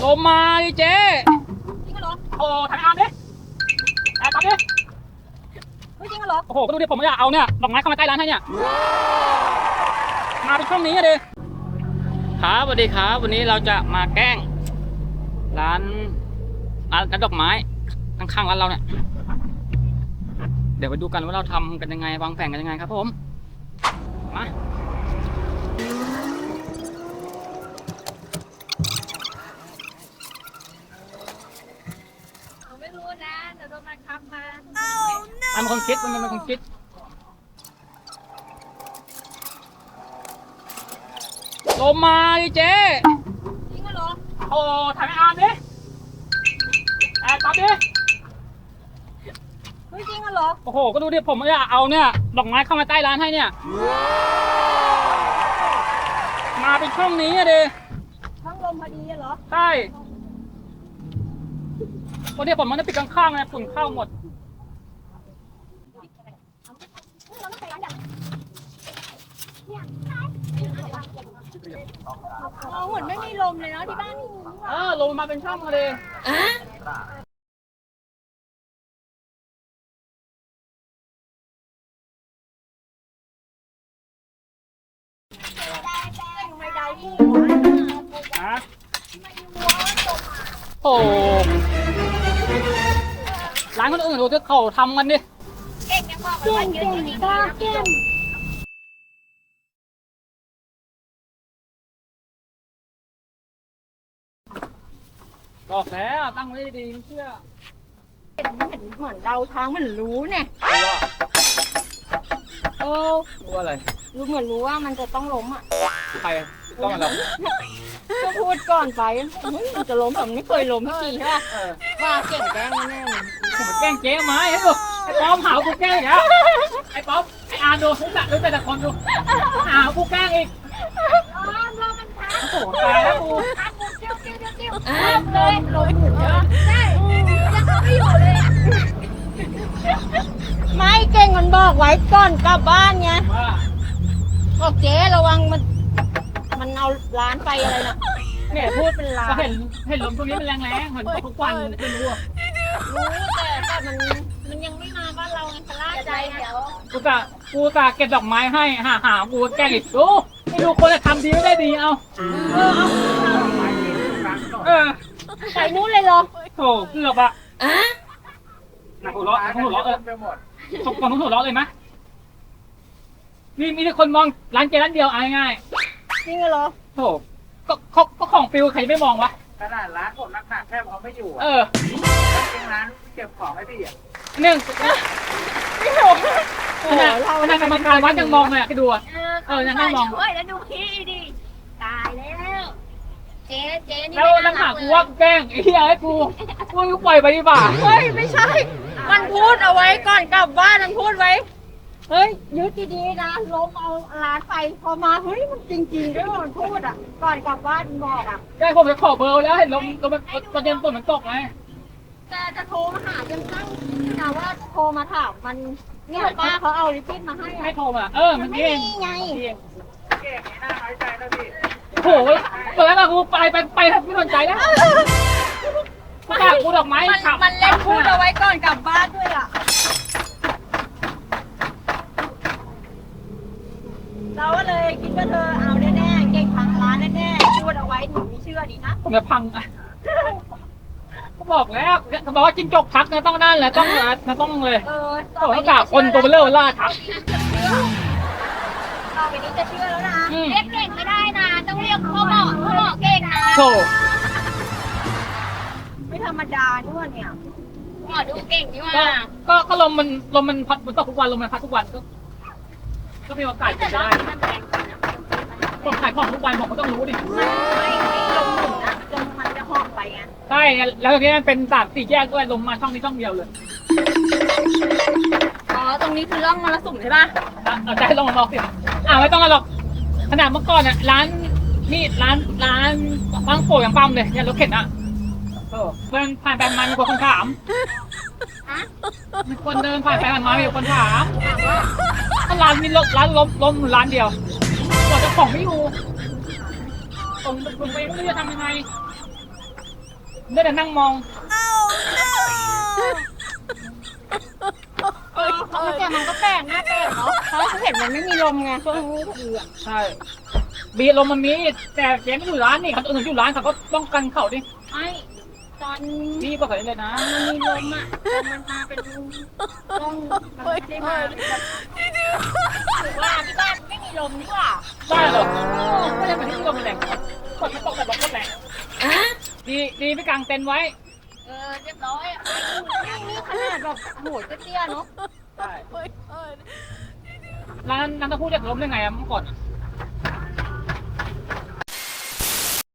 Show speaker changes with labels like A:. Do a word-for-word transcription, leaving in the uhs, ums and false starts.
A: ลมมาดิเจ๊
B: จริงเหรอ
A: โอ้ถ่ายอาร์มดิถ่ายตามดิ
B: ไม่จริงเหรอ
A: โอ้โหก็ดูดิผมไม่อยากเอาเนี่ยดอกไม้เข้ามาใกล้ร้านให้เนี่ยมาเป็นช่องนี้เลยครับสวัสดีครับวันนี้เราจะมาแกล้งร้านร้านดอกไม้ข้างๆร้านเราเนี่ยเดี๋ยวไปดูกันว่าเราทำกันยังไงวางแผนกันยังไงครับผมมา
B: ไม่รู้นะเดี๋ยวโดนมันขับมา
A: มันเป็นคนคิดมันเป็นคนคิดลมมาดิเจ๊
B: จริงเหรอ
A: โอ้ถ่ายอาร์มดิแอบตามดิ
B: ไม่จริงเหรอ
A: โอ้โหก็ดูดิผมไม่อยากเอาเนี่ยดอกไม้เข้ามาใต้ร้านให้เนี่ยมาเป็นช่องนี้อะดิ
B: ช่องลมพอดีเหรอ
A: ใช่เพราะเดี๋ยวผมมันจะปิดข้างๆนะฝุ่นเข้าหมด
B: เราเหมือนไม่มีลมเลยเนาะที่บ้าน
A: เออลงมาเป็นช่องเลย
B: ไม่ได้ที่
A: ฮะโอ้ร้านคนอื่นดูที่เขาทำกันดิ
B: เก่งยังบอกเลยว่าเก่งบ้าเก่ง
A: บอกแล้วตั้งไว้ดีๆเชื่อ
B: เห็นเหมือนเราทางมันรู้เนี่ยเออ
A: รู้อะไร
B: รู้เหมือนรู้ว่ามันจะต้องล้มอ่ะ
A: ใครต้องอะไร
B: ก็พูดก่อนไปมันจะล้มแต่ไม่เคยล้มสักทีใช่ป่ะว่าเก่งแกล้งแน่ๆ
A: ผมแกล้งเจ๊ไหมไอ้ดูไอ้ป๊อมหากูแกล้งอีกแล้วไอ้ป๊อมไอ้อาร์ดูรู้จักรู้แต่คนดูหากูแกล้งอีกโอ้โหตายแล้วกู
B: เลยล้มหมูใช่ยังเขาไม่อยู่เลยไม่เก่งมันบอกไว้ก่อนกลับบ้านไงบอกเจ๊ระวังมันมันเอาร้านไปอะไรน่ะเนี่ยพูดเป็นร้าน
A: เห็นเห็นลมตรงนี้มันแรงๆเห็นทุกวันเป็นวัว
B: รู้แต่แต่มันมันยังไม่มาบ้านเราไงพลาดใจเดี๋ยว
A: กูจะกูจะเก็บดอกไม้ให้หาหากูแกล้งอีกดูไม่ดูคนจะทำดีไม่ได้ดีเอา
B: เออเอา
A: เออ
B: ใส่นู้นเลยเหรอ
A: โถเกือบอะหนักหัวเราะหัวเราะเออตกก่อนหัวเราะเลยไหมมีมีแต่คนมองร้านเจร้านเดียวเอาง่าย
B: จริงเหรอ
A: โถก็ก็ก็ของฟิวใครไม่มองวะ
C: ขนาดร้านผมนักหนักแค่เขาไม่อยู่
A: เออ
C: จริงร้านเก็บของให้พี่อ่ะ
A: หนึ่ง
B: ไม่ถูก
A: ขนาดขนาดกรรมการวัดยังมองเลยอ่ะคิดดูอ่ะเออยังนั่งมอง
B: เฮ้ยแล้วดูพี่ดิตายแล้วเจ๊เจ๊นี่
A: แล้วแล้วหากูว่าแกล้งไอ้เหี้ยไอ้กูกูกูปล่อยไปดีกว่า
B: เฮ้ยไม่ใช่มันพูดเอาไว้ก่อนกลับบ้านมันพูดไว้เฮ้ยยึดดีๆนะล้มเอาร้านไปพอมาเฮ้ยมันจริงๆด้วยมันพูดอ่ะก่อนกลับบ้านบอกอ่ะ
A: ใช่ผมจะขอเบอร์แล้วเห็นลมลมมันประเด็นฝนมันตกไง
B: แต่จะโทรมาหาจนตั้งนะว่าโทรมาถามมันเนี่ยป้าเขาเอาลิปปิ้นมาให้
A: ไม่โทรมาเออมันเก่ง
B: ไง
C: เก่งนี่น่าน้อยใจนะพี่
A: โอ้โหตอนแรกเรากูไปไปไปไม่สนใจแล้วกูด่ากูดอกไม้
B: มันเล่นพูดเอาไว้ก่อนกลับบ้านด้วยอ่ะเราก็เลยคิดว่าเธอเอาแน่ๆเก่งพังร้านแน่ๆพูดเอาไว้หนูไม่เชื่อดีนะ
A: ผมจะพังอ่ะเขาบอกแล้วเขาบอกว่าจิ้งจกทักนะต้องนั่นแหละต้องนะต้องเลย
B: เออ
A: เขากล่าวคนตัวเบลล่าทัก
B: ต่อไปนี้จะเชื่อแล้วนะเรียกเก่งไม่ได้นะต้องเรียกพ่อหมอพ่อหมอเก่งนะ
A: โธ่
B: ไม่ธรรมดาด้วยเนี่ยหมอดูเก่งดีว่า
A: ก็ก็ลมมันลมมันพัดมันตกทุกวันลมมันพัดทุกวันก็ก็มีโอกาสจะได้ผมขายของทุกวันผมก็ต้องรู้ดิ
B: ไม่ลมหมุนนะลมมันจะหอบไปไง
A: ใช่แล้วตรงนี้มันเป็นสามสี่แยกด้วยลมมาช่องนี้ช่องเดียวเลย
B: อ๋อตรงนี้คือร่องมรสุมใช่ป่ะ
A: เอาใจลองลองสิอ่าไม่ต้องหรอกขนาดเมื่อก่อนอ่ะร้านนี่ร้านร้านบางโป่อย่างปั๊มเลยเนี่ยรถเข็นอ่ะเออเดินผ่านไปมันมีคนถามมีคนเดินผ่านไปผ่านมามีคนถามถ้าร้านมีรถร้านล้มล้มร้านเดียวกว่าจะของไม่อยู่ตรงตรงไปไม่รู้จะทำยังไงได้แต่นั่งมอง
B: เออเขาแต่มันก็แปลกหน้าแปลกเนาะเขาเห็นมันไม่มีลมไงช่วงนี้พอดีอ่ะ
A: ใช่บีลมมันมีแต่เจ๊ไม่อยู่ร้านนี่เขาอื่นอยู่ร้านเขาก็ป้องกันเขาดิ
B: ไอ้ตอน
A: บีบอกเขาเลยนะ
B: มันมีลมอ่ะแต่มันมาเป็นลมมันไม่ได้มาแบบหรือว่าที่บ้านไม่มีลมนี่หว่า
A: ได้เหรอไม่ได้เหมือนที่ลมแรงกดไม่ตกแต่บอกก็แรงดีดีไปกางเต็นท์ไว้
B: เออเรียบร้อยอ่ะนี่ขนาดแบบโหดเตี้ยๆเนาะ
A: ใช่ร้านน้ำเต้าหู้จะล้มได้ไงอะเมื่อก่อนอะ